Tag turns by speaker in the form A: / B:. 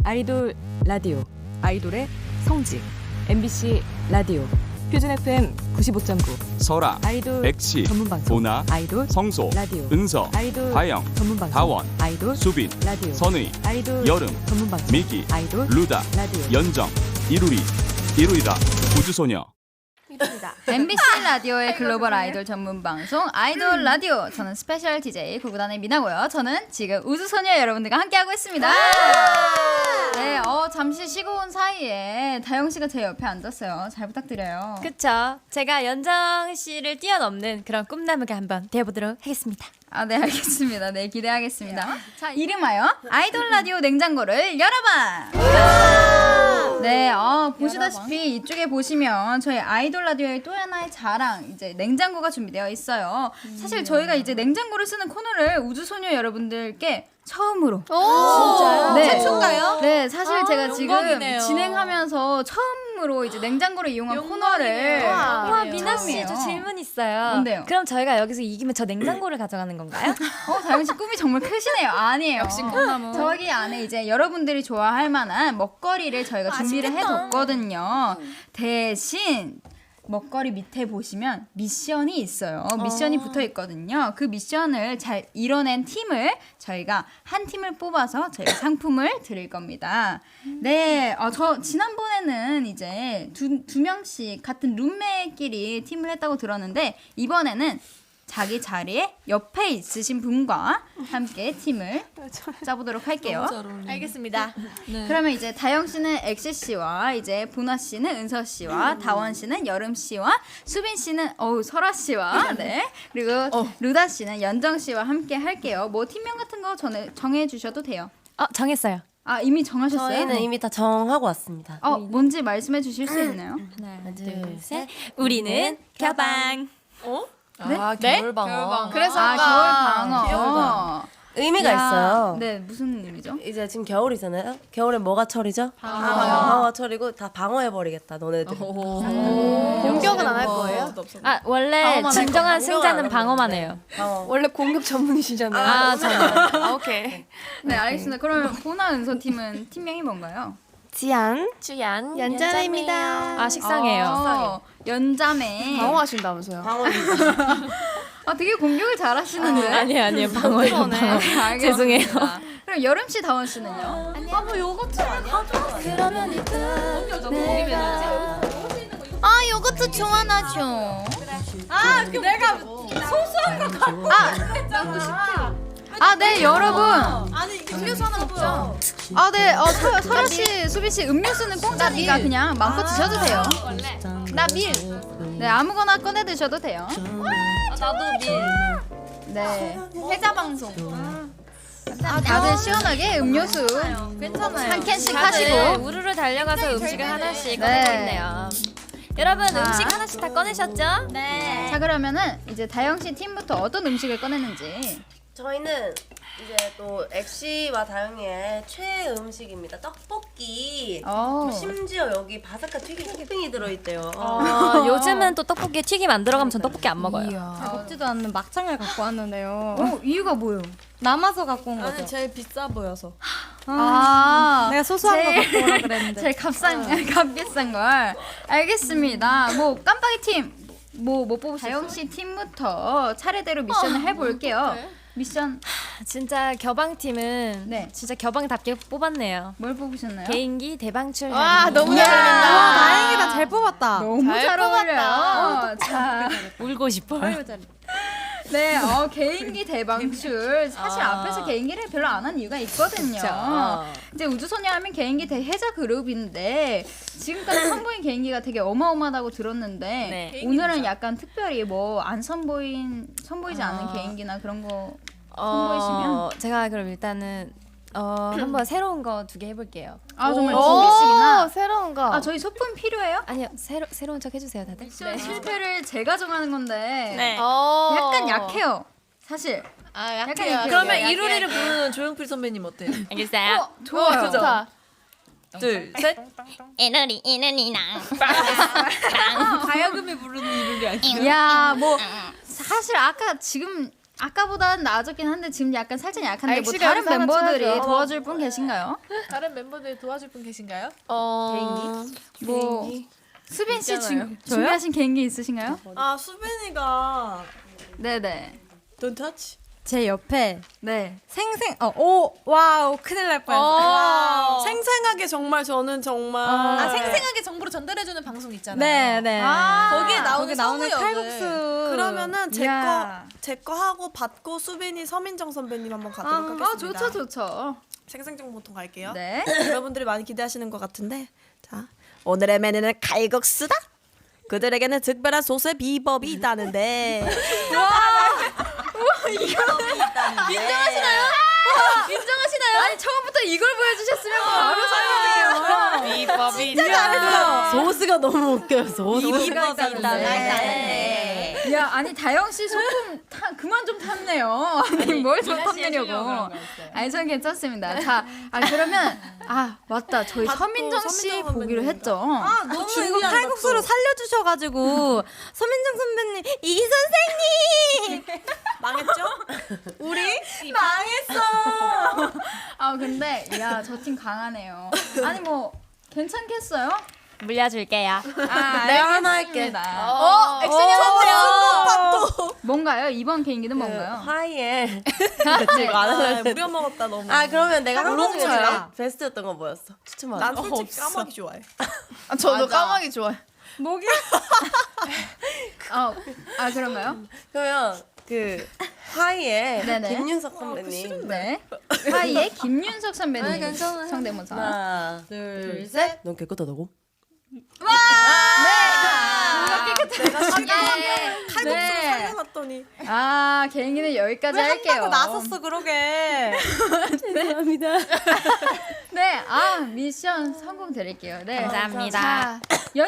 A: 아이돌 라디오, 아이돌의 성지, MBC 라디오, 표준 FM 95.9,
B: 설아,
A: 아이돌
B: 엑시,
A: 전문방송,
B: 보나,
A: 아이돌
B: 성소,
A: 라디오,
B: 은서,
A: 아이돌
B: 다영,
A: 전문방송,
B: 다원,
A: 아이돌
B: 수빈,
A: 라디오,
B: 선의,
A: 아이돌
B: 여름,
A: 전문방송,
B: 미기,
A: 아이돌
B: 루다,
A: 라디오,
B: 연정, 이루리다, 우주소녀.
C: MBC 라디오의 글로벌 아이돌 전문 방송 아이돌 라디오. 저는 스페셜 DJ 구구단의 미나고요. 저는 지금 우주소녀 여러분들과 함께하고 있습니다. 네, 잠시 쉬고 온 사이에 다영 씨가 제 옆에 앉았어요. 잘 부탁드려요.
D: 그쵸. 제가 연정 씨를 뛰어넘는 그런 꿈나무가 한번 되어보도록 하겠습니다.
C: 아, 네, 알겠습니다. 네, 기대하겠습니다. 자, 이름하여 아이돌 라디오 냉장고를 열어봐! 네, 보시다시피 이쪽에 보시면 저희 아이돌 라디오의 또 하나의 자랑, 이제 냉장고가 준비되어 있어요. 사실 저희가 이제 냉장고를 쓰는 코너를 우주소녀 여러분들께 처음으로.
D: 진짜요?
C: 네.
D: 최초인가요?
C: 네, 사실 제가 지금
D: 영광이네요.
C: 진행하면서 처음으로 이제 냉장고를 이용한 코너를.
D: 와, 미나 씨,
C: 처음이에요.
D: 저 질문 있어요.
C: 뭔데요?
D: 그럼 저희가 여기서 이기면 저 냉장고를 가져가는 건가요?
C: 다영 씨 꿈이 정말 크시네요. 아니에요. 역시 꿈나무. 저기 안에 이제 여러분들이 좋아할 만한 먹거리를 저희가 준비를 해뒀거든요. 대신 먹거리 밑에 보시면 미션이 있어요. 미션이 붙어 있거든요. 그 미션을 잘 이뤄낸 팀을 저희가 한 팀을 뽑아서 저희가 상품을 드릴 겁니다. 네, 저 지난번에는 이제 두 명씩 같은 룸메끼리 팀을 했다고 들었는데 이번에는 자기 자리에 옆에 있으신 분과 함께 팀을 짜보도록 할게요.
D: 알겠습니다.
C: 그러면 이제 다영 씨는 엑시 씨와 이제 보나 씨는 은서 씨와 다원 씨는 여름 씨와 수빈 씨는 설아 씨와 네 그리고 루다 씨는 연정 씨와 함께 할게요. 뭐 팀명 같은 거 정해 주셔도 돼요.
D: 정했어요.
C: 아 이미 정하셨어요?
E: 저희는 이미 다 정하고 왔습니다.
C: 뭔지 말씀해 주실 수 있나요?
E: 하나, 둘, 셋.
D: 우리는 겨방.
C: 네?
E: 아, 겨울방어.
D: 그래서
C: 겨울 방어.
E: 의미가
C: 야,
E: 있어요.
C: 네 무슨 의미죠?
E: 이제 지금 겨울이잖아요. 겨울엔 뭐가 철이죠? 방어가 철이고 다 방어해버리겠다, 너네들.
D: 공격은 안 할 거예요? 원래 진정한 승자는 방어만 해요.
E: 원래 공격 전문이시잖아요.
D: 저는. 오케이.
C: 네 알겠습니다. 그러면 보나 은서 팀은 팀명이 뭔가요?
E: 지안.
D: 주연.
E: 연자입니다.
D: 식상해요.
C: 연자매.
F: 방어하신다면서요?
E: 방어입니다.
C: 되게 공격을 잘하시는데.
D: 아니에요. 방어예요. 방어.
C: 알겠습니다.
D: 죄송해요.
C: 그럼 여름 씨, 다원 씨는요?
E: 뭐 요거트 아니야?
C: 요거트 좋아하죠. 내가 소소한 거 네, 여러분. 음료수 하나 먹죠. 네, 설아 씨, 수빈 씨, 음료수는 공짜니까 그냥 마음껏 드셔도 돼요. 나 밀. 네, 아무거나 꺼내 드셔도 돼요.
D: 나도 밀.
C: 네, 해자 방송. 다들 시원하게 음료수
D: 괜찮아요.
C: 한 캔씩
D: 다들
C: 하시고.
D: 우르르 달려가서 음식을 하나씩
C: 네.
D: 꺼내고 있네요. 여러분 음식 하나씩 다 꺼내셨죠? 네.
C: 자, 그러면은 이제 다영 씨 팀부터 어떤 음식을 꺼내는지.
E: 저희는 이제 또 엑시와 다영이의 최애 음식입니다. 떡볶이. 심지어 여기 바삭한 튀김 토핑이 들어있대요.
D: 요즘은 또 떡볶이에 튀김 안 들어가면 전 떡볶이 안 먹어요.
F: 먹지도 않는 막창을 갖고 왔는데요.
C: 이유가 뭐예요?
F: 남아서 갖고 온 거죠.
D: 아니 제일 비싸 보여서.
F: 내가 소소한 거 갖고 오라 그랬는데.
C: 제일 값비싼 걸. 알겠습니다. 뭐 깜빡이 팀. 뭐 뽑으셨어요? 다영 씨 팀부터 차례대로 미션을 해볼게요. 미션
D: 진짜 겨방팀은
C: 네.
D: 진짜 겨방답게 뽑았네요.
C: 뭘 뽑으셨나요?
D: 개인기 대방출.
F: 너무
C: 이야.
F: 잘 어울린다. 다행이다. 잘 뽑았다.
C: 너무 잘 어울려요. 자,
D: 울고 싶어요.
C: 네, 개인기 대방출. 사실 앞에서 개인기를 별로 안 한 이유가 있거든요. 이제 우주소녀 하면 개인기 대해자 그룹인데 지금까지 선보인 개인기가 되게 어마어마하다고 들었는데
D: 네.
C: 오늘은 약간 특별히 뭐 안 선보이지 않은 개인기나 그런 거 선보이시면
D: 제가 그럼 일단은 한번 새로운 거 2개 해볼게요.
C: 정말 준비식이나
F: 새로운 거.
C: 저희 소품 필요해요?
D: 아니요 새로운 척 해주세요 다들.
C: 네. 실패를 제가 정하는 건데
D: 네.
C: 약간 약해요. 사실
F: 약해요.
G: 그러면 이루리를 부르는 조용필 선배님 어때요?
D: 알겠어요.
C: 좋아요.
F: 좋다.
G: 둘, 셋.
D: 이누리나.
G: 가야금이 부르는 이루리 아니에요?
C: 야, 뭐 사실 아까 지금 아까보다는 나아졌긴 한데 지금 약간 살짝 약한데 뭐
D: 엑시가
C: 다른
D: 여기서 하나
C: 멤버들이
D: 찾아줘.
C: 도와줄 분 계신가요?
G: 다른 멤버들 도와줄 분 계신가요?
C: 뭐 수빈 씨
G: 있잖아요.
C: 준비하신 개인기 있으신가요?
H: 아 수빈이가
C: 네네.
H: Don't touch.
F: 제 옆에
C: 네.
F: 와우 큰일 날 뻔했어요.
H: 생생하게 정말 저는 정말
G: 아 생생하게 정보를 전달해주는 방송 있잖아요.
F: 네네.
H: 거기에 나오는
F: 거기 나오는
H: 성우 역을.
F: 칼국수.
H: 그러면은
C: 이야.
H: 제 거 하고 받고 수빈이 서민정 선배님 한번 가도록 하겠습니다.
C: 좋죠.
H: 생생정보통 갈게요.
C: 네.
H: 여러분들이 많이 기대하시는 것 같은데 자 오늘의 메뉴는 칼국수다. 그들에게는 특별한 소스의 비법이 있다는데.
C: 인정하시나요? 아니 처음부터 이걸 보여주셨으면 바로 설명해요.
G: 비법이
C: 진짜 잘했어.
E: 소스가 너무 웃겨요. 소스가
C: 야 아니 다영 씨 소품 그만 좀 탔네요. 아니 뭘 좀 탔느냐고. 아니 전 괜찮습니다. 자 그러면 맞다 저희 서민정 씨
H: 서민정
C: 보기로
H: 선배님이다.
C: 했죠.
F: 너무 이거 칼국수로 살려주셔가지고 서민정 선배님 이 선생님
H: 망했죠? 우리
C: 근데 야 저 팀 강하네요. 아니 뭐 괜찮겠어요?
D: 물려줄게요.
E: 내가 하나 할게.
C: 액션이었어요. 뭔가요? 이번 개인기는 뭔가요?
E: 하이에
C: 네.
H: 무려 먹었다 너무.
E: 그러면 내가 한 번 중에
F: 우롱차야.
E: 제일 베스트였던 건 뭐였어? 추천만.
H: 난 솔직히 까마귀 좋아해.
G: 저도 까마귀 좋아해.
C: 목이? 그런가요?
E: 그러면 그 하이에
C: 네네.
E: 김윤석 선배님.
C: 네. 하이의 김윤석 선배님 성대모사.
E: 하나, 둘, 셋. 넌 깨끗하다고?
H: 칼국수로 살려놨더니.
C: 개인기는 여기까지 할게요.
F: 나섰어 그러게.
E: 죄송합니다.
C: 네, 미션 성공 드릴게요. 네.
D: 감사합니다.
C: 자,